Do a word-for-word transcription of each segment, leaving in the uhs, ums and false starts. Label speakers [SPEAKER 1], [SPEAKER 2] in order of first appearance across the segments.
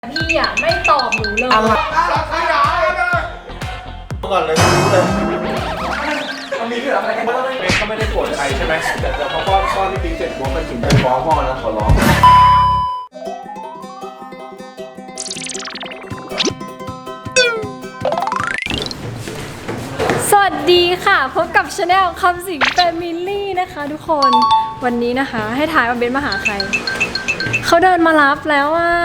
[SPEAKER 1] พี่อ่ะไม่ตอบหนูเลย
[SPEAKER 2] อะไรขยายเลยก่อนเลยมันมีเรื่องอะไรกันบ้างเบนก็ไม่ได้โกรธใครใช่ไหมแต่แต่พอป้อนป้อนที่ปิ๊งเสร็จบอกมันถึงไปฟ้องพ่อนะขอร้อง
[SPEAKER 1] สวัสดีค่ะพบกับชาแนลคำสิงแฟมิลี่นะคะทุกคนวันนี้นะคะให้ถ่ายว่าเบนมาหาใครเขาเดินมารับแล้วอ่ะ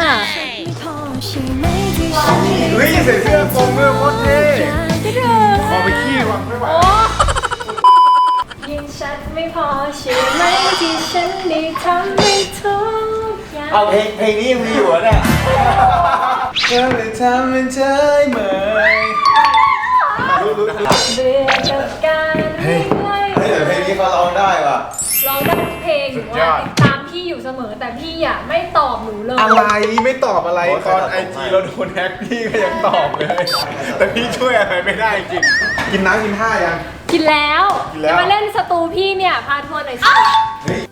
[SPEAKER 2] เฮ้ยใส่เสื้อโปรงเมื่อโคตรเท่
[SPEAKER 1] ก็เดิน
[SPEAKER 2] พอไปขี้วังไม่ไหว
[SPEAKER 1] ยิ่งชัดไม่พอใช่ไหมที่ฉันได้ทำให้ทุกอย่าง
[SPEAKER 2] เอาเพลงเพลงนี้ยังมีอยู่อ่ะเนี่ยเธอเลยทำเป็นเฉยเหมยรู้รู้รู้
[SPEAKER 1] เบื่อกับการวิ่งไล่
[SPEAKER 2] เฮ้ยแต่เพลงนี้เขาร้องได้ว่ะ
[SPEAKER 1] ร้องได้ทุกเพลงหนูว่าติดตามพี่อยู่เสมอแต่พี่อ่ะไม่ตอบหนูเลย
[SPEAKER 3] อะไรไม่ตอบอะไรตอนไอจีเราโดนแฮกพี่ก็ยังตอบเลย แต่พี่ช่วยอะไรไม่ได้จริงกินน้ำกินท่ายัง
[SPEAKER 1] กินแล้ว
[SPEAKER 3] กินแล้ว
[SPEAKER 1] จะมาเล่นสตูพี่เนี่ยพาทัวร์หน่อยสิ
[SPEAKER 2] เฮ้ย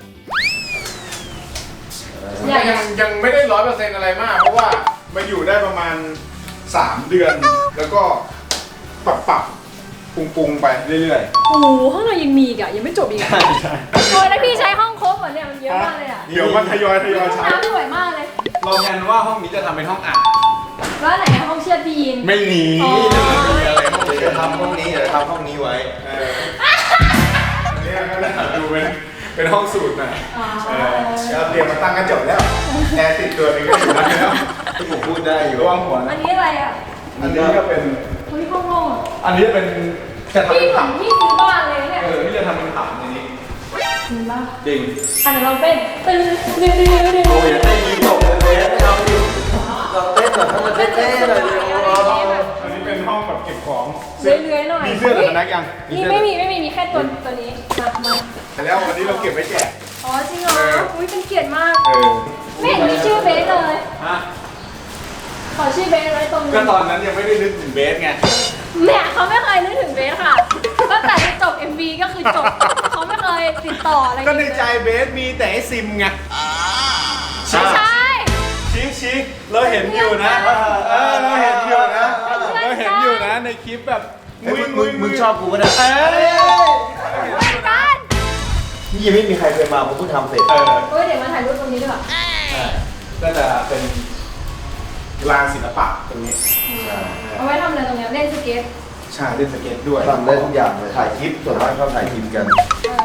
[SPEAKER 1] อยาก
[SPEAKER 3] ยังยังไม่ได้ร้อยเปอร์เซ็นต์อะไรมาก เพราะว่ามาอยู่ได้ประมาณสามเดือน แล้วก็ปรับปรับปรุงปรุงไปเรื่อย
[SPEAKER 1] โอ้โหห้องเรายังมีอีกอ่ะยังไม่จบอีกอ่ะ
[SPEAKER 3] ๆใช่
[SPEAKER 1] โอ้ยแล้วพี่ใช้ห้องครบเหรอเนี่ยมันเยอะมากเลยอ่ะ
[SPEAKER 3] เดี๋ยวมันทยอยทยอย
[SPEAKER 1] ห้อง
[SPEAKER 3] ใช้
[SPEAKER 1] น้ำสวยมากเลย
[SPEAKER 3] เราแผนว่าห้องนี้จะทำเป็นห้องอัด
[SPEAKER 1] แล้วไหนห้องเชือดพี่ยิน
[SPEAKER 3] ไม่หนี
[SPEAKER 1] อ๋อ
[SPEAKER 2] เดี๋ยวจะทำห้องนี้เดี๋ยวจะทำห้องนี้ไว้
[SPEAKER 3] เออเนี่ยก็ได้ดูเป็นเป็นห้องสูตรหน่อย
[SPEAKER 1] อ๋อ
[SPEAKER 3] เออเราเตรียมมาตั้งกระจกแล้วแอร์ติดตัวนึงก็อยู่แล้ว
[SPEAKER 2] ที่ผมพูดได้อยู่
[SPEAKER 3] ระวังหัว
[SPEAKER 1] อั
[SPEAKER 3] นะ
[SPEAKER 1] นนี้อะไรอ่ะ
[SPEAKER 3] อันนี้ก็เป็น
[SPEAKER 1] เฮ้ยห้องโล่งอะ
[SPEAKER 3] อันนี้เป็นจะทำ
[SPEAKER 1] พี่
[SPEAKER 3] เป็น
[SPEAKER 1] เหมือ
[SPEAKER 3] ผั
[SPEAKER 1] น
[SPEAKER 3] บ
[SPEAKER 1] พี่ซื้อบ้านเลยเนี่ย
[SPEAKER 3] เออที่จะทำเป็นผับในนี้
[SPEAKER 1] จริงป่ะ
[SPEAKER 3] จริง
[SPEAKER 1] อันไหนเราเป็นตึ้งตึ้งตึ้งตึ้ง
[SPEAKER 2] โอ้ยอย่าเต้นยิ้มตกเลยเบสไม่เอาดิเราเต้นแบบให้มันเท่ๆหน่อยดิ
[SPEAKER 3] อันนี้เป็นห้องแบบเก็บของ
[SPEAKER 1] เลื้อยๆหน่อย
[SPEAKER 3] มีเสื้อแต่พนักยัง
[SPEAKER 1] นี่ไม่มีไม่มีมีแค่ตัวตัวนี้มามา
[SPEAKER 3] แต่แล้ววันนี้เราเก็บไว้แจก
[SPEAKER 1] อ๋อจริงเหรออุ้ยเป็นเกียรติมาก
[SPEAKER 3] เออ
[SPEAKER 1] ไม่เห็นมีชื่อเบสเลย
[SPEAKER 3] ฮะ
[SPEAKER 1] ขอชื่อเบสไว้ตรงนี้
[SPEAKER 3] ก็ตอนนั้นยังไม่ได้นึกถึงเบสไง
[SPEAKER 1] แม่เขาไม่เคยนึกถึงเบสค่ะตั้งแต่ที่จบ เอ็ม วี ก็คือจบเขาไม่เคยติดต่ออะไร
[SPEAKER 3] ก็ในใจเบสมีแต่ไอซิมไง
[SPEAKER 1] ไม่ใช่
[SPEAKER 3] ชี้ชี้เราเห็นอยู่นะเออเราเห็นอยู่นะเราเห็นอยู่นะในคลิปแบบ
[SPEAKER 2] เฮ้ยมึงมึงมึงชอบกูปะเนี่ย
[SPEAKER 3] เออ
[SPEAKER 1] เหมือนกัน
[SPEAKER 2] นี่ยังไม่มีใครเคยมาผมเพิ่งทำเสร็จ
[SPEAKER 3] เออ
[SPEAKER 1] เฮ้ยเดี๋ยวมาถ่ายรูปตรงนี้ดีกว่า
[SPEAKER 3] ก็จะเป็นลานศิลปะตรงนี้
[SPEAKER 1] เอาไว้ทำอะไรตรงเนี้ยเล่นสเก็ต
[SPEAKER 3] ใช่เล่นสเก็ตด้วย
[SPEAKER 2] ทำได้ทุกอย่างเลยถ่ายคลิปส่วนมากเขาถ่ายคลิปกัน
[SPEAKER 1] เออ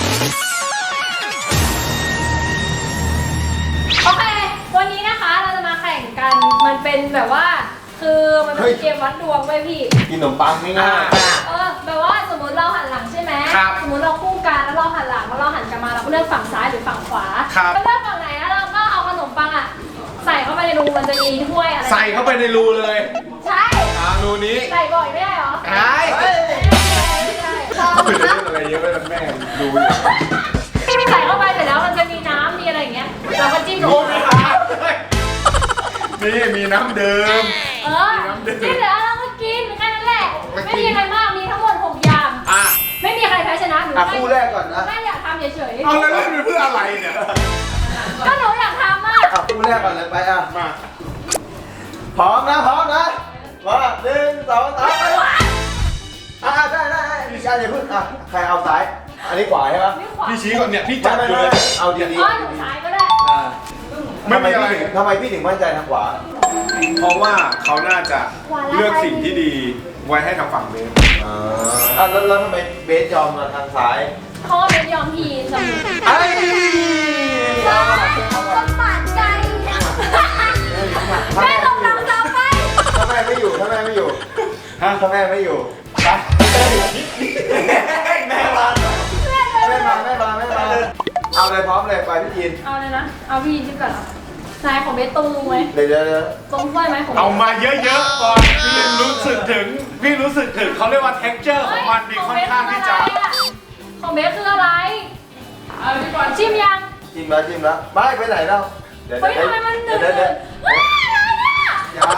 [SPEAKER 1] โอเค วันนี้นะคะเราจะมาแข่งกัน มันเป็นแบบว่า คือมันเป็นเกมวัดดวงไว้ยพี่
[SPEAKER 2] กินขนมปังง่าย
[SPEAKER 1] เออแบบว่าสมมติเราหันหลังใช่ไหม
[SPEAKER 3] ครับ
[SPEAKER 1] สมมติเราคู่กันแล้วเราหันหลังแล้วเราหันกลับมาเราก็เลือกฝั่งซ้ายหรือฝั่งขวา
[SPEAKER 3] ครับ
[SPEAKER 1] เราเลือกฝั่งไหนแล้วเราก็เอาขนมปังอ่ะใส่เข้าไปในรูมันจะมีถ้วยอะไร
[SPEAKER 3] ใส่เข้าไปในรูเลย
[SPEAKER 1] ใช่
[SPEAKER 3] อ่ารูนี้
[SPEAKER 1] ใส่บ่อยไม่ได้เหรอ
[SPEAKER 3] ใช่
[SPEAKER 1] ไม่ได้ไม่ได้
[SPEAKER 3] ไม่ได้เล่นอะไรเยอะไปแล้วแม่ดูอยู่
[SPEAKER 1] ใส่เข้าไปเสร็จแล้วมันจะมีน้ำมีอะไรอย่างเงี้ยเราก็จิ้มล
[SPEAKER 3] โอ้
[SPEAKER 1] ง
[SPEAKER 3] มี
[SPEAKER 1] ไป
[SPEAKER 3] น้ำด้วยนี่มีน้ำเดิม
[SPEAKER 1] เออจิ้มเสร็จแล้วเราก็กินแค่นั้นแหละ ไม่มีอะไรมากมีทั้งหมดหกอย่าง
[SPEAKER 3] อ่ะ
[SPEAKER 1] ไม่มีใครแพ้ชนะหนู
[SPEAKER 2] ๆอ่ะคู่แรกก่อนนะ
[SPEAKER 1] แม่อยากทำเฉย
[SPEAKER 3] เอาแล้วเล่นไปเพื่ออะไรเนี่ย
[SPEAKER 1] ๆก็หนูอยากทำมาก
[SPEAKER 2] อ่ะคู่แรกก่อนเลยไปอ่ะ
[SPEAKER 3] มา
[SPEAKER 2] พร้อมนะพร้อมนะมาหนึ่งสองสามไปอ่ะได้ได้ได้พี่ชายอย่าเพิ่งอ่ะใครเอาซ้ายอันนี้ขวาใช่ปะ
[SPEAKER 1] ไม่ขวา
[SPEAKER 3] พี่ชี้ก่อนเนี่ยพี่
[SPEAKER 2] ไม่
[SPEAKER 3] จับ
[SPEAKER 2] ไม่
[SPEAKER 3] อยู่
[SPEAKER 2] ไม่
[SPEAKER 3] เลย
[SPEAKER 2] เอาดี
[SPEAKER 1] อ๋อหนูซ้ายก็ได้
[SPEAKER 2] ๆอ่า
[SPEAKER 3] ไม่มีอะไร
[SPEAKER 2] ทำไมพี่ถึงมั่นใจทางขวา
[SPEAKER 3] เพราะว่าเขาน่าจะเลือกสิ่งที่ดีไว้ให้ทางฝั่งเบส
[SPEAKER 2] อ่าอ่ะแล้วแล้วทำไมเบสยอมมาทางซ้าย
[SPEAKER 1] เพราะว่าเป็นยอมพีนสมุน
[SPEAKER 2] ไอ้
[SPEAKER 1] เขาก็ปาดใจแม่ลงน้ำซ้ำไป
[SPEAKER 2] ถ้าแม่ไม่อยู่ถ้าแม่ไม่อยู่
[SPEAKER 3] ฮะ
[SPEAKER 2] ถ้าแม่ไม่อยู่ไปแม่มาแม่มาแม่มาแม่มาเอาเลยพร้อมเลยไปพี่ยิน
[SPEAKER 1] เอาเลยนะ เอาพี่จิ้มก่อนเหรอซ้ายของเบสตรงไหม
[SPEAKER 2] เดี๋ยวเดี๋ยวเดี๋ยว
[SPEAKER 1] ตรงถ้วยไหมของ
[SPEAKER 3] เอามาเยอะๆก่อนพี่รู้สึกถึงพี่รู้สึกถึงเขาเรียกว่า texture ของมันมีค่อนข้างที่จะ
[SPEAKER 1] ของเบสคืออะไรเอาดีกว่าชิมยัง
[SPEAKER 2] จิ้มแล้วจิ้มแล้วไม่ไปไหนแล้วเดี๋ยว
[SPEAKER 1] เฮ้ยทำไมมันหนึบ
[SPEAKER 2] เดี๋ยวเดี๋ยว
[SPEAKER 1] เฮ้ยอะไรเนี่ย
[SPEAKER 2] อย่า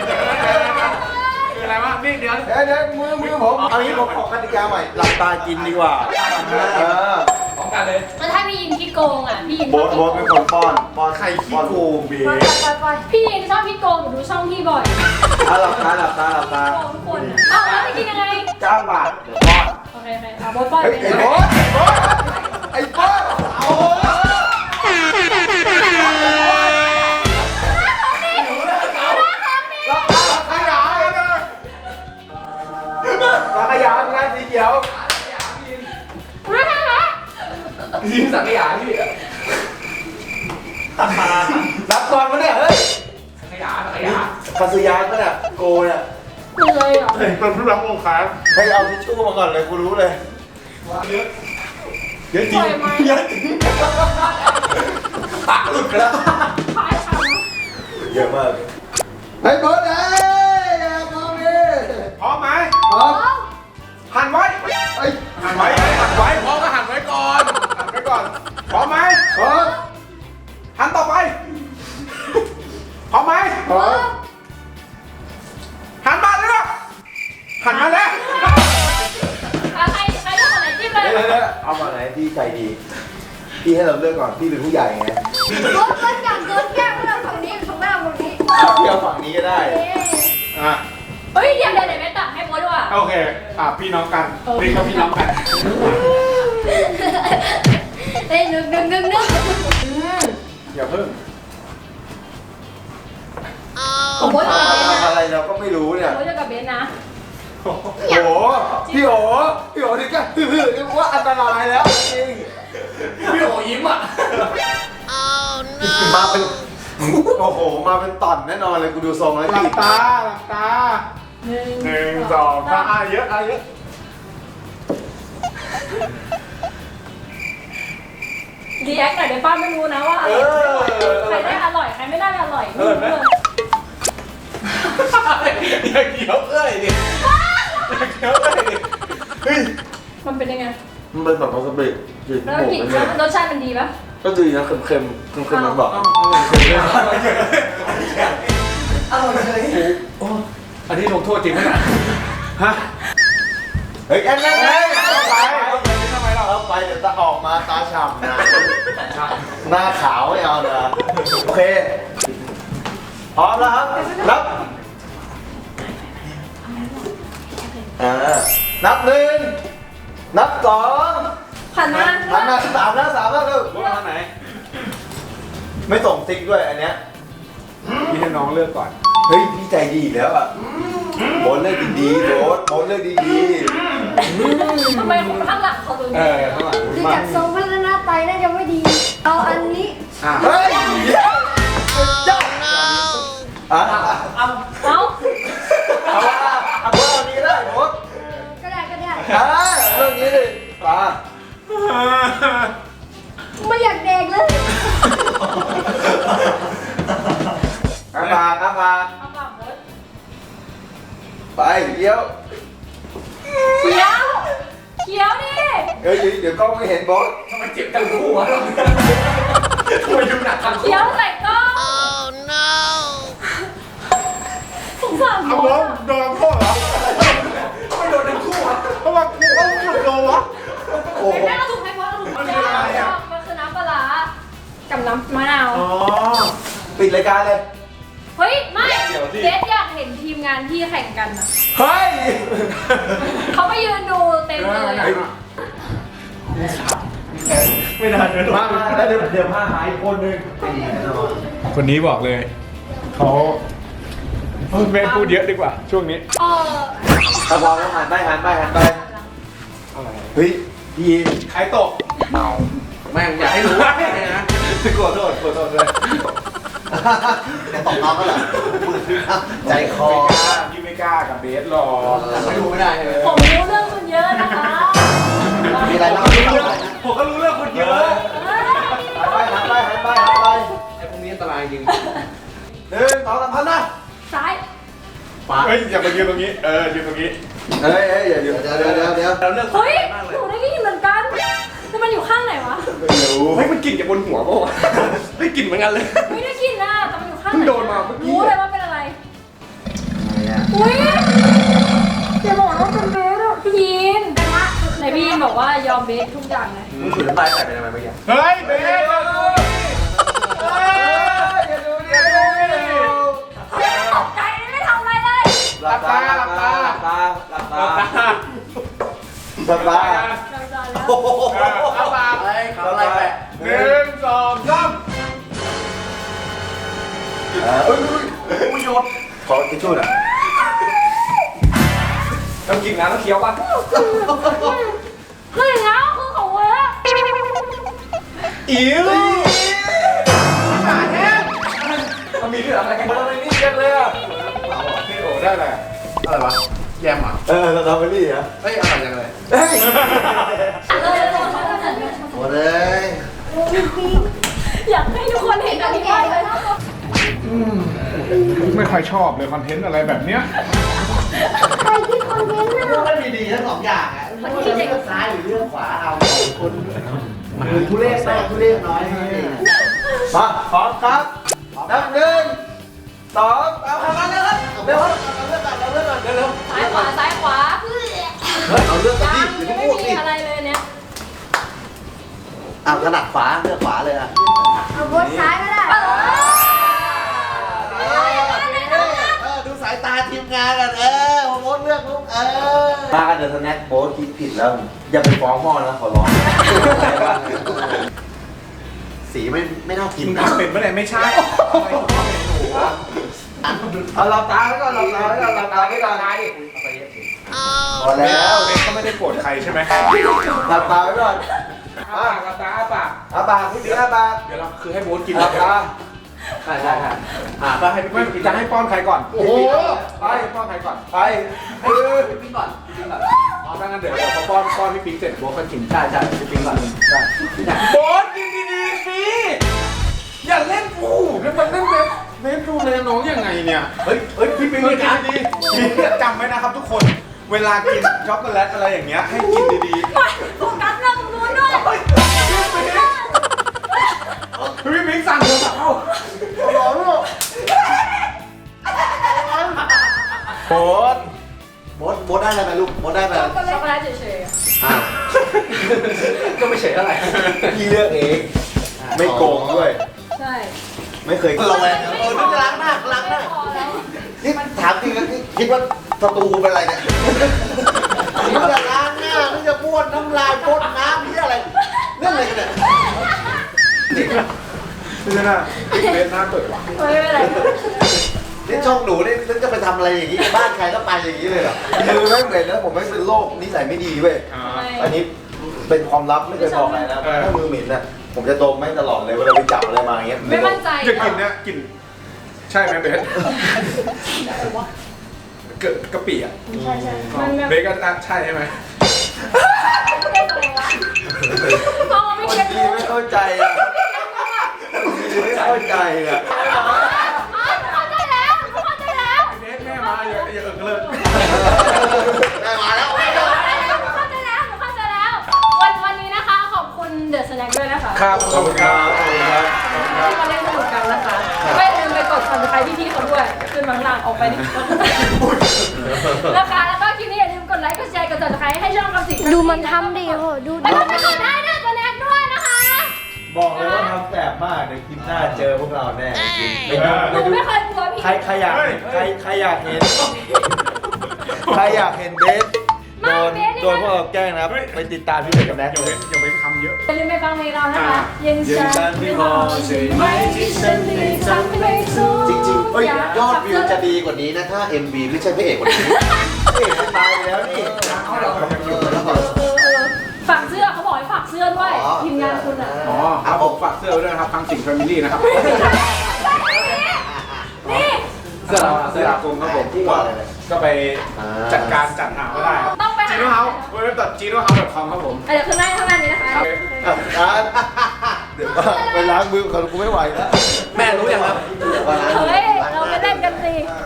[SPEAKER 3] คืออะไรวะนี่เดี๋ยว
[SPEAKER 2] เดี๋ยวเดี๋ยวมือมือผมเอางี้ผมขอกติกาใหม่หลับตากินดีกว่าเออ
[SPEAKER 3] พร้อมกันเลย
[SPEAKER 1] มันให้พี่ยินคิดโกงอ่ะพี่ยิน
[SPEAKER 2] โบ๊ทโบ๊ทเป็นคนป้อนป้อน
[SPEAKER 3] ใครขี้
[SPEAKER 2] ป้อน
[SPEAKER 3] โกงเบ
[SPEAKER 1] ไป
[SPEAKER 3] ส
[SPEAKER 1] ไปไปพี่ยินชอบพี่โกงหนูดูช่องพี่บ่อย
[SPEAKER 2] อ่ะหลับตาหลับตาหลับตา
[SPEAKER 1] โกงทุกคนอ่ะอ้าวแล้วจะกินยังไง
[SPEAKER 2] จ้างบาทเดี๋ยวป้อน
[SPEAKER 1] โอเคโอเคเอาโบ๊ทป้อน
[SPEAKER 2] เฮ้ย
[SPEAKER 1] ไป
[SPEAKER 2] ไอ้
[SPEAKER 1] เลย
[SPEAKER 2] โบ๊ทไอ้โบ๊ทเอาโบ๊ทขยะขยะงานสีเขียว
[SPEAKER 4] ยิงสังขยาพี่
[SPEAKER 2] รับก่อนมาเนี่ยเฮ้ย
[SPEAKER 4] สังขยาสังขยา
[SPEAKER 2] คาสุยานปะเนี่ยโกเนี่ย
[SPEAKER 1] มันเลยเหรอ
[SPEAKER 3] เป็นผู้รับองค์การ
[SPEAKER 2] ให้เอาทิชชู่มาก่อนเลยกูรู้เลย
[SPEAKER 3] เยอะเยอะจริง
[SPEAKER 1] ปล่อยไหม
[SPEAKER 3] เยอะจริง
[SPEAKER 2] ปากหลุดไปแล้ว
[SPEAKER 1] พายทำนะ
[SPEAKER 2] เยอะมากเฮ้ยโบ๊ทเอ้ยมองดิ
[SPEAKER 3] พร้อมไหม
[SPEAKER 2] พร้อม
[SPEAKER 3] หันไว้
[SPEAKER 2] เฮ้ย
[SPEAKER 3] หันไว้หันไว้
[SPEAKER 4] พ่อก็หันไว้ก่อน
[SPEAKER 3] หันไว้ก่อนพร้อมไหม
[SPEAKER 2] พร้อม
[SPEAKER 3] หันต่อไปพร้อมไหม
[SPEAKER 2] พร้อม
[SPEAKER 3] หันมาเลยนะหันมาแล้ว
[SPEAKER 1] อ่ะใครใครจะขอไหนจิ้มเลย
[SPEAKER 2] เดี๋ยวๆๆเอามาไหนพี่ใจดี พี่ให้เราเลือกก่อน พี่เป็นผู้ใหญ่ไง
[SPEAKER 5] รถรถจับรถแก้วเราฝั่งนี้ฝั่งหน้าฝั่งนี้
[SPEAKER 2] เอาพี่เอาฝั่งนี้ก็ได้
[SPEAKER 3] อ่ะ
[SPEAKER 1] เฮ้ยเดี๋ยวเดี๋ยวเดี๋ยวแม่ตักให้โบ๊ทดีกว่า
[SPEAKER 3] โอเคอ่ะพี่น้องกันนี่เขาพี่น้องกัน
[SPEAKER 5] เอ้ยนึกนึกนึกนึก
[SPEAKER 3] อย่าเพิ่ง
[SPEAKER 1] ของโบ๊ทกับเบน
[SPEAKER 2] ทำ
[SPEAKER 1] นะ
[SPEAKER 2] อะไรเราก็ไม่รู้เนี่ย
[SPEAKER 1] โบ๊ทกับเบนนะ
[SPEAKER 2] โอ้โห พี่โอพี่โอนี่ก็ฮือๆนี่ว่าอันตรายแล้วจริง
[SPEAKER 4] พี่โอยิ้มอ่ะ
[SPEAKER 2] มาเป็น โอ้โห มาเป็นต่อนแน่นอนเลยกูดูทรงแล้ว
[SPEAKER 3] หลับ
[SPEAKER 2] พี่
[SPEAKER 3] ตาหลับตา
[SPEAKER 1] หนึ่ง
[SPEAKER 3] หนึ่งสองสามอ่ะเยอะอ่ะเยอะ
[SPEAKER 1] รีแอคหน่อยเดี๋ยวป้าไม่รู้นะว่าอ
[SPEAKER 2] เอ
[SPEAKER 1] ร่อย
[SPEAKER 2] อ
[SPEAKER 1] ใครได้อร่อยใครไม่ได้อร่อยไม่รู้เลย
[SPEAKER 4] อย่าเขียวเอ้ยดิอย่าเขียวเอ้ยดิ
[SPEAKER 2] เฮ้ย
[SPEAKER 1] มันเป็นยังไง
[SPEAKER 2] มันเป็นแบบวาซาบิจืด
[SPEAKER 1] แล้ว
[SPEAKER 2] หมู
[SPEAKER 1] กลิ่น
[SPEAKER 2] เนี่ย
[SPEAKER 1] รสชาติมันดีปะ
[SPEAKER 2] ก็ดีนะเค็มๆเค็มเค็มๆมันบอก
[SPEAKER 4] อันนี้ลงโทษจริงไหมเนี่ย
[SPEAKER 3] ฮะ
[SPEAKER 2] เฮ้ยแอนแอนแอนเอาไป
[SPEAKER 3] ทำไมเรา
[SPEAKER 2] เอาไปเดี๋ยวตาออกมาตาฉ่ำนะหน้าขาวไม่เอานะโอเคพร้อมแล้วครับนับอ่านับหนึ่งนับสอง
[SPEAKER 1] ผ่านมา
[SPEAKER 2] หันมาสามแล้วสามแล้วเร็ว
[SPEAKER 3] รถมาไหน
[SPEAKER 2] ไม่ส่งติ๊กด้วยอันเนี้ย
[SPEAKER 3] พี่ให้น้องเลือกก่อน
[SPEAKER 2] เฮ้ยพี่ใจดีอีกแล้วอ่ะโบ๊ทเลือกดีๆโบ๊ทโบ๊ทเลือกดี
[SPEAKER 1] ทำไมคนข้างหลังเขาดู
[SPEAKER 3] เออข้างหลัง
[SPEAKER 5] ดูจากทรงพัฒนาไตน่าจะไม่ดี เอาอันนี้
[SPEAKER 3] อ่ะ
[SPEAKER 2] ๆเฮ้ยจ้าอ่ะ
[SPEAKER 1] เอาเอา
[SPEAKER 2] เอาว่าเอาว่าเอานี้ได้โบ๊ท
[SPEAKER 5] ก็ได้ก็ได้
[SPEAKER 2] อ่าเรื่องนี้ดิป่า
[SPEAKER 5] ไม่อยากแดกเลย
[SPEAKER 2] อาปากอาปาก
[SPEAKER 1] เอาปากโบ๊ท
[SPEAKER 2] ไปเดี๋ยว
[SPEAKER 1] เขียวเขียวดิ
[SPEAKER 2] เฮ้ยเดี๋ยวกล้องไม่เห็นโบ๊ท
[SPEAKER 4] ทำไมเจ็บทั้งคู่วะทำไมดูหนักทั้งคู่
[SPEAKER 1] เขียวใส่กล้องสงสาร
[SPEAKER 3] เอา
[SPEAKER 1] โบ๊
[SPEAKER 3] ล้
[SPEAKER 1] ท
[SPEAKER 3] ม
[SPEAKER 1] อะ
[SPEAKER 3] โดนโทษเหรอ
[SPEAKER 4] ทำไมโดนทั้งคู่วะ
[SPEAKER 3] เพราะว่ากูเอาหยุดโดนวะ
[SPEAKER 2] โอ้โห
[SPEAKER 1] แม่เราถูกให้โบ๊ทเราถูกให้
[SPEAKER 3] มันคืออะไรอะ
[SPEAKER 1] มันคือน้ำปลาร้ากับน้ำมะนาว
[SPEAKER 3] อ๋อ
[SPEAKER 2] ปิดรายการเลย
[SPEAKER 1] เฮ้ย ไม่
[SPEAKER 3] เดี๋ยวสิ
[SPEAKER 1] เจสอยากเห็นทีมงานที่แข่งกันอ่ะ
[SPEAKER 2] เฮ้ย
[SPEAKER 1] เขาไปยืนดูเต็มเลยอะ
[SPEAKER 3] ไม่น่าเดิน
[SPEAKER 2] มามาแล้วเดี๋ยวเดี๋ยวพาหายคนหนึ่ง
[SPEAKER 3] คนนี้บอกเลย เขาไม่พูดเยอะดีกว่า ช่วงนี้
[SPEAKER 1] เออ
[SPEAKER 2] ถ้าพร้อมแล้วหันไปหันไปหันไปเฮ้ยยีน
[SPEAKER 3] ใครตก
[SPEAKER 4] แม่งอยากให้รู้ว่าไงนะ
[SPEAKER 2] ขอโทษขอโทษด้วยจะตกน้องก็เหรอใจคอ
[SPEAKER 3] ไม่กล้าพี่ไม่กล้ากับเบสหรอก
[SPEAKER 4] ไม่รู้ไม่ได้เลย
[SPEAKER 1] ผมรู้เรื่องคุณเยอะนะคะ
[SPEAKER 2] มีอะไรบ้าง
[SPEAKER 3] ผมก็รู้เรื่องคนเยอะ
[SPEAKER 1] เฮ้ย
[SPEAKER 2] หันไปหันไปหันไปหันไป
[SPEAKER 4] ไอ้พวกนี้อันตรายจริง
[SPEAKER 2] หนึ่งสองสามพันนะ
[SPEAKER 1] ซ้าย
[SPEAKER 3] เฮ้ยอย่ามายืนตรงนี้ เออยืนตรงนี้
[SPEAKER 2] เฮ้ยเฮ้ยเดี๋ยวเดี๋ยวเดี๋ยวเดี๋ยวเดี๋ยว
[SPEAKER 4] เราเลือก
[SPEAKER 1] เฮ้ย
[SPEAKER 4] มากเล
[SPEAKER 1] ห
[SPEAKER 4] ย
[SPEAKER 1] นูได้ยินเหมือนกันแต่มันอยู่ข้างไหนวะ
[SPEAKER 2] ไม่รู้
[SPEAKER 4] เฮ้ยมันกลิ่นจากบนหัวป่าวะได้กลิ่นเหมือนกันเลย
[SPEAKER 1] ไม่ได้กินนะแต่มันอยู่ข้างไหน
[SPEAKER 4] เพิ่งโดนมาเมื่อกี้
[SPEAKER 1] รู้เลยว่าเป็นอะไร
[SPEAKER 2] อะไรอ่ะ
[SPEAKER 1] อุ้ยอย่าบอกว่าเป็นเบสอะพี่ยีนไหนพี่ยีนบอกบอกว่ายอมเบสทุกอย่างไง
[SPEAKER 4] มึงฉุดน้ำลายใส่ไปทำไมเมื่อกี้
[SPEAKER 3] เฮ้ยเบส
[SPEAKER 2] อย่าดูอย่าดูอย่าดู
[SPEAKER 5] ตกใจไม่ทำอะไรเลย
[SPEAKER 2] หลับตาหลับตา
[SPEAKER 4] หลับตาหลับตา
[SPEAKER 2] หลับตา
[SPEAKER 1] เราจอนแล้ว
[SPEAKER 2] โอ้โห
[SPEAKER 3] เอาปาก
[SPEAKER 4] อะไรเขาอะไรแปะ
[SPEAKER 3] หนึ่งสองสาม
[SPEAKER 2] เอ้ยอุ้ยโยนขอทิชชู่หน่อย
[SPEAKER 4] ต้องกินน้ำต้องเคี้ยวป่ะ
[SPEAKER 5] คืออย่างนั้นคือของเว้ย
[SPEAKER 3] อิ๋ว
[SPEAKER 4] มันมีเรื่องอะไรกัน
[SPEAKER 2] มันอะไรนี่กันเลยอ่ะ
[SPEAKER 3] พี่โอได้อะไรอะไรวะแยมอ่ะ
[SPEAKER 2] เออสตรอเบอรี่เหรอ
[SPEAKER 3] เฮ้ยอะไรจังเลย
[SPEAKER 2] เฮ้ย
[SPEAKER 5] เลย
[SPEAKER 2] หมดเลย
[SPEAKER 1] อยากให้ทุกคนเห็นอันนี้มากเลย
[SPEAKER 3] ไม่ค่อยชอบเลยคอนเทนต์อะไรแบบเนี้ย
[SPEAKER 5] ใครที่คอนเทนต์น่ะ
[SPEAKER 2] มันมีดีทั้งสองอย่างอ่ะมันจะเลือกซ้ายหรือเลือกขวาเอาคนมันทุเรศมากทุเรศน้อยมาพร้อมครับนับหนึ่งสองเอาทำกันเลยครับเร็วครับเอาเลือกก่อนเอาเลือกก่อนเร็ว
[SPEAKER 1] ซ้ายขวาซ้ายขวา
[SPEAKER 2] ๆเฮ้ยเอาเลือกกัน
[SPEAKER 1] ยั
[SPEAKER 2] ดิ
[SPEAKER 1] ง
[SPEAKER 2] อย่า
[SPEAKER 1] ไม่
[SPEAKER 2] เพิ่งพูด
[SPEAKER 1] มี
[SPEAKER 2] สิ
[SPEAKER 1] อะไรเลยเนี่ย
[SPEAKER 2] เอาถนัดขวาเลือกขวาเลยอ่ะ
[SPEAKER 5] เอาบนซ้ายก็ได้
[SPEAKER 2] เออดูสายตาทีมงานกันเออโมดเลือกลูกเออมากันเดี๋ยวสแน็คโบ๊ทคิดผิดแล้วอย่าไปฟ้องพ่อนะขอร้องสีไม่ไม่น่ากิน
[SPEAKER 3] มึง
[SPEAKER 2] นะ
[SPEAKER 3] ทำเป็นเมื่อไหร่ไม่ใช่
[SPEAKER 2] เอาหลับตาไว้ก่อนหลับตาไว้ก่อนหลับตาไว้ก่อนพอแล้ว
[SPEAKER 3] เบสก็ไม่ได้โกรธใครใช่ไหม
[SPEAKER 2] หลับตาไว้ก่อน
[SPEAKER 3] อ้าปากหลับตาอ้าปาก
[SPEAKER 2] อาปากพี่บิ๊กอาปาก
[SPEAKER 3] เดี๋ยวเราคือให้โบ๊ทกิน
[SPEAKER 2] หลับตา
[SPEAKER 4] ใช่ใช่ใช่
[SPEAKER 3] อ่าก็ให้ไม่จะให้ป้อนใครก่อน โอ้โหไปป้อนใครก่อน
[SPEAKER 2] ไป
[SPEAKER 4] เฮ้ยพี่ก่อนพี่ก่อน
[SPEAKER 3] อ๋อถ้างั้นเดี๋ยวเดี๋ยวพอป้อนป้อนพี่ปิ๊งเสร็จโบ๊ทก็กิน
[SPEAKER 4] ใช่ใช่พี่ก่อนใช่
[SPEAKER 3] โบ๊ทกินดีๆสิอย่าเล่นกูแล้วมันเล่นเบสเบสดูแลน้องยังไงเนี่ย
[SPEAKER 2] เฮ้ยเฮ้ยพี่ปิ๊ง
[SPEAKER 3] กิ
[SPEAKER 2] กิ
[SPEAKER 3] น
[SPEAKER 2] น
[SPEAKER 3] ดีๆจำไว้นะครับทุกคน เวลากินช็อกโกแลตอะไรอย่างเงี้ยให้กินดีๆ
[SPEAKER 5] โฟกัสเรื่องตรงนู้นด้วย
[SPEAKER 3] พี่ปิ๊งสั่งโทรศัพท์เข้า
[SPEAKER 2] ร้อนลูกโบ๊ทโบ๊ทโบ๊ทได้อะไรไหมลูกโบ๊ทได้ไหม
[SPEAKER 1] ช็อกโกแลตเฉยๆอะ
[SPEAKER 2] อ่ะ
[SPEAKER 4] ก็ไม่เฉยเท่าไหร่
[SPEAKER 2] พี่เลือกเอง ไม่โกงด้วย
[SPEAKER 1] ใช่
[SPEAKER 2] ไม่เคยระแวงเออนี่จะล้างหน้าล้างหน้า
[SPEAKER 1] พอแล้ว
[SPEAKER 2] นี่ถามจริงนะนี่คิดว่าศัตรูเป็นอะไรเนี่ยนี่จะล้างหน้านี่จะบ้วนน้ำลายพ่นน้ำนี่อะไรเรื่องอะไรกันเนี่ย
[SPEAKER 3] ไม่ใช่นะเบสหน้าเปิดว่ะ
[SPEAKER 1] ไม่เป็นไร
[SPEAKER 2] นี่ช่องหนูนี่นึกจะไปทำอะไรอย่างนี้บ้านใครก็ไปอย่างนี้เลยเหรอมือแม่งเหม็นนะผมแม่งเป็นโรคนิสัยไม่ดีเว้ย
[SPEAKER 3] อ่า
[SPEAKER 2] อันนี้เป็นความลับไม่เคยบอกใครนะถ้ามือเหม็นน่ะผมจะดมแม่งตลอดเลยเวลาไปจับอะไรมาอย่างเงี้ย
[SPEAKER 1] ไม่มั่นใจ
[SPEAKER 3] จะกินเนี่ยกิน ใช่ไหมเบสเกิดกะปิอ่ะ
[SPEAKER 1] ใช่ใช่มันแบบ
[SPEAKER 3] เบสก็ใช่ใช่ไหม
[SPEAKER 1] มองไม่
[SPEAKER 2] คน
[SPEAKER 1] เก็ต
[SPEAKER 2] ดีไม่เข้าใจอ่ะไม่เข้าใจอ่ะ
[SPEAKER 5] เข้าใจแล้วเข้าใจแล้ว
[SPEAKER 3] เบสแม่มาอย่าอย่าเอิงเลิก
[SPEAKER 2] ได้มาแล้ว
[SPEAKER 5] เข้าใจแล้วเข้าใจแล้วเข้าใจแล้ว
[SPEAKER 1] วันวันนี้นะคะขอบคุณเดอะสแน็คด้วยนะคะ
[SPEAKER 3] ครับขอบคุณครับ
[SPEAKER 1] ที่มาเล่นสนุกกันนะคะไม่ลืมไปกดซับสไครต์พี่ๆเขาด้วยขึ้นมาข้างล่างออกไปดินะคะแล้วก็คลิปนี้อย่าลืมกดไลค์กดแชร์กดซับสไครต์ให้ช่องคำสิง
[SPEAKER 5] ดูมันทำดิโหดู
[SPEAKER 1] แล้วก็กดได้ด้วยสแน็คด้วยนะคะ
[SPEAKER 2] บอกเลยว่าทำแสบมากเดี๋ยวคลิปหน้าเจอพวกเราแน่จริงไปดู
[SPEAKER 1] ห
[SPEAKER 2] ไป
[SPEAKER 1] นู
[SPEAKER 2] ดู
[SPEAKER 1] ไม่เคยกลัวพี่
[SPEAKER 2] ใครใครอยากเห็นใครใครอยากเห็นใครอยากเห็นเบสโดนโดนพวกเราแกล้งนะครับไปติดตามพี่เบสกับแน็ก
[SPEAKER 3] อย่าเว้นอย่าเว้นคำเยอะ
[SPEAKER 1] อย่าลืมไปฟังเพลงเรานะคะ
[SPEAKER 3] อ่า
[SPEAKER 1] ยังฉันไม่พอใช่ไหมที่ฉันไม่ทำให้สู้
[SPEAKER 2] จริงๆเฮ้ยยอดวิวจะดีกว่านี้นะถ้า เอ็ม วี ไม่ใช่พระเอกคนนี้พระเอกมันตายไปแล้วนี่
[SPEAKER 3] เขาเรายังอยู่
[SPEAKER 1] เออเออเออฝากเสื้อเขาบอกให้ฝากเสื้อด้วยทีมงานคุณอ่ะ
[SPEAKER 3] อ๋อครับผมฝากเสื้อไว้ด้วยนะครับทางสิงห์แฟมิลี่นะครับ
[SPEAKER 1] นี่
[SPEAKER 3] เสื้อเสื้ออาคมครับผมก็ก็ไปจัดการจัดหาก็ได้ครับ
[SPEAKER 1] ต้องไปหา
[SPEAKER 3] จีโน่เฮาส์เว็บ จีโน่เฮาส์ ดอท คอม ครับผม
[SPEAKER 1] เดี๋ยวขึ้นหน้าข้างหน้านี้นะคะ
[SPEAKER 2] อ่ะอ่ะเดี๋ยวไปล้างมือก่อนกูไม่ไหวแล้ว
[SPEAKER 4] แม่รู้ยังครับ
[SPEAKER 1] เฮ้ยเราไปเล่นกันสิ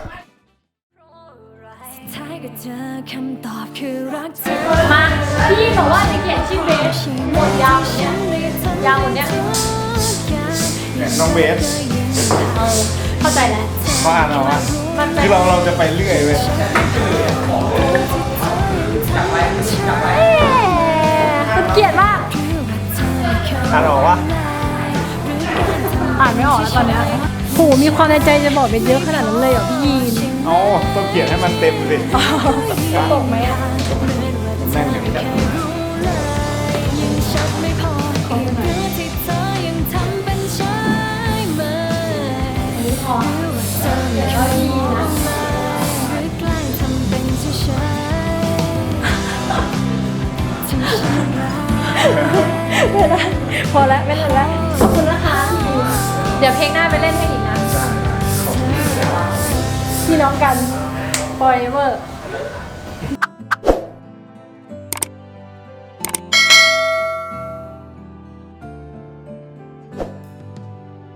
[SPEAKER 6] ท้ายก็เจอคำตอบคือรักเธอ
[SPEAKER 1] มาพี่บอกว่าจะเขียนชื่อเบสหมดยาวเนี่ยยาวหมดเนี่ย
[SPEAKER 3] น้องเบส
[SPEAKER 1] เออเข้าใจแล้ว
[SPEAKER 3] ว่าเราอะ
[SPEAKER 1] มันเป็น
[SPEAKER 3] คือเราเราจะไปเรื่อยเว้ย
[SPEAKER 6] จับไว้จับไว้
[SPEAKER 4] อ่านออกวะ
[SPEAKER 1] อ่านไม่ออกแล้วตอนเนี้ยโหมีความในใจจะบอกเป็นเยอะขนาดนั้นเลยเหรอพี่ยีน
[SPEAKER 3] อ๋อต้องเขียนให้มันเต็มสิ
[SPEAKER 1] จะตกไหมอ่ะ
[SPEAKER 3] แน่นอย่างนี้
[SPEAKER 6] ยังชัดไม่พออีกหรือที่เธอยังทำเป็นใช่ไหมหรือว่าเธอไม่ชอบมาหรือแกล้งทำเป็นเฉยๆที่ฉันรัก
[SPEAKER 1] ไม่ได้พอแล้วไม่เล่นแล้วขอบคุณนะคะเดี๋ยวเพลงหน้าไปเล่นให้อีกนะพี่น้องกัน forever